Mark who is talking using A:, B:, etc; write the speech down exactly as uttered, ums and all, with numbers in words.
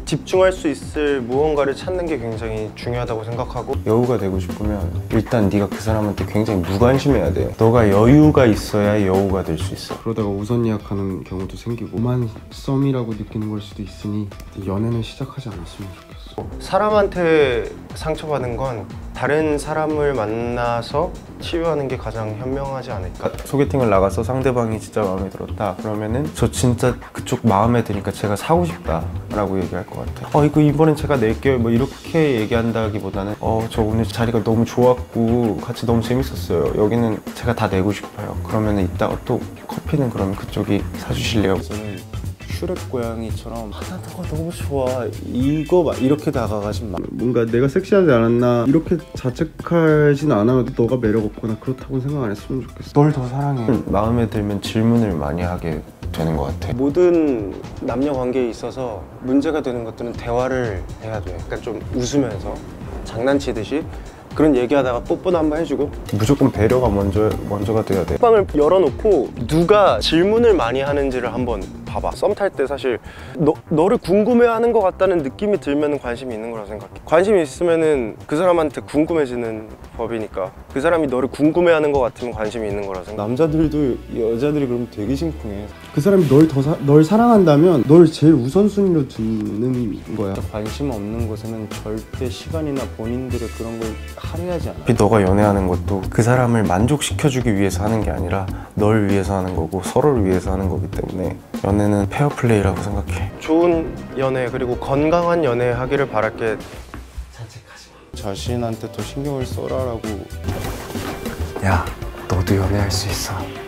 A: 집중할 수 있을 무언가를 찾는 게 굉장히 중요하다고 생각하고,
B: 여우가 되고 싶으면 일단 네가 그 사람한테 굉장히 무관심해야 돼. 너가 여유가 있어야 여우가 될 수 있어. 그러다가 우선 예약하는 경우도 생기고 오만 썸이라고 느끼는 걸 수도 있으니 연애는 시작하지 않았으면 좋겠어.
A: 사람한테 상처받는 건 다른 사람을 만나서 치유하는 게 가장 현명하지 않을까.
B: 소개팅을 나가서 상대방이 진짜 마음에 들었다 그러면은 저 진짜 그쪽 마음에 드니까 제가 사고 싶다 라고 얘기할 것 같아요. 어 이거 이번엔 제가 낼게요 뭐 이렇게 얘기한다기보다는 어 저 오늘 자리가 너무 좋았고 같이 너무 재밌었어요. 여기는 제가 다 내고 싶어요. 그러면은 이따가 또 커피는 그러면 그쪽이 사주실래요? 저는 슈렉 고양이처럼 하나 더 너무 좋아 이거 막 이렇게 다가가지 마. 뭔가 내가 섹시하지 않았나 이렇게 자책하진 않아도 너가 매력 없거나 그렇다고 생각 안 했으면 좋겠어. 널 더 사랑해. 마음에 들면 질문을 많이 하게 되는 것 같아.
A: 모든 남녀 관계에 있어서 문제가 되는 것들은 대화를 해야 돼. 약간 좀 웃으면서 장난치듯이 그런 얘기하다가 뽀뽀도 한번 해주고.
B: 무조건 배려가 먼저, 먼저가 돼야 돼.
A: 방을 열어놓고 누가 질문을 많이 하는지를 한번 봐봐. 썸 탈 때 사실 너, 너를 궁금해하는 것 같다는 느낌이 들면 관심이 있는 거라 생각해. 관심이 있으면 그 사람한테 궁금해지는 법이니까 그 사람이 너를 궁금해하는 것 같으면 관심이 있는 거라 생각해.
B: 남자들도 여자들이 그러면 되게 심쿵해.
C: 그 사람이 널 더 널 사랑한다면 널 제일 우선순위로 두는 거야.
B: 관심 없는 곳에는 절대 시간이나 본인들의 그런 걸 할애하지 않아. 너가 연애하는 것도 그 사람을 만족시켜주기 위해서 하는 게 아니라 널 위해서 하는 거고 서로를 위해서 하는 거기 때문에 연애는 페어플레이라고 생각해.
A: 좋은 연애 그리고 건강한 연애 하기를 바랄게.
B: 자책하지 마. 자신한테 더 신경을 써라라고. 야, 너도 연애할 수 있어.